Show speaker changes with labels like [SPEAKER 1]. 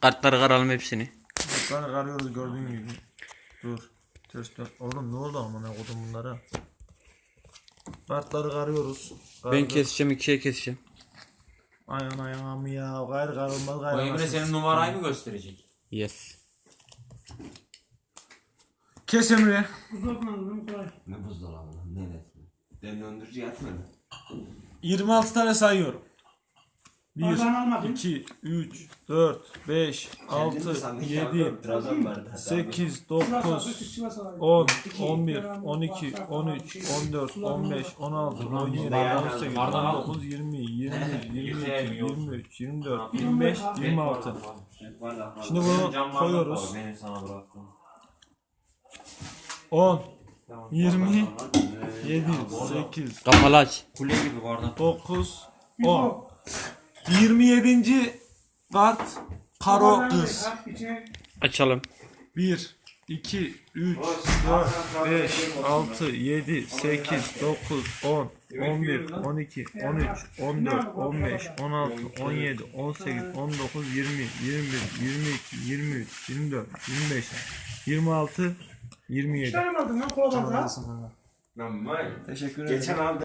[SPEAKER 1] Kartları karalım hepsini.
[SPEAKER 2] Kartları karıyoruz gördüğün gibi. Dur. Ters dön. Oğlum ne oldu amına kodum bunlara? Kartları karıyoruz.
[SPEAKER 1] Ben keseceğim, ikiye keseceğim.
[SPEAKER 2] Ayağın ayağım ya. Gayrı karılmaz
[SPEAKER 3] O
[SPEAKER 2] gayrı.
[SPEAKER 3] Emre senin numarayı mı gösterecek?
[SPEAKER 1] Yes.
[SPEAKER 2] Kes Emre.
[SPEAKER 4] Ne buzdolabı lan? Neresi? Ben döndürücü yatmadım.
[SPEAKER 2] 26 tane sayıyorum.
[SPEAKER 5] Oradan almadın.
[SPEAKER 2] 1, 2, 3, 4, 5, 6, 7,
[SPEAKER 4] Trabzon vardı.
[SPEAKER 2] 8, 9, 10, 11, 12, 13, 14, 15, 16, 17, 18, 19, 20, 21, 22, 23, 24, 25, 26. Şimdi bunu koyuyoruz.
[SPEAKER 3] Benim sana bıraktım.
[SPEAKER 2] 10, 20, 7, 8,
[SPEAKER 1] Kapalı aç.
[SPEAKER 3] Kule gibi bardak.
[SPEAKER 2] 9, 10. 27. kart Karo kız.
[SPEAKER 1] Açalım.
[SPEAKER 2] 1, 2, 3, 4, 5, 6, 7, 8, 9, 10, 11, 12, 13, 14, 15, 16, 17, 18, 19, 20, 21, 22, 23, 24, 25, 26, 27.
[SPEAKER 5] Çıkarmadın lan koladan da.
[SPEAKER 4] Lan vay.
[SPEAKER 2] Teşekkür ederim.
[SPEAKER 4] Geçen aldım.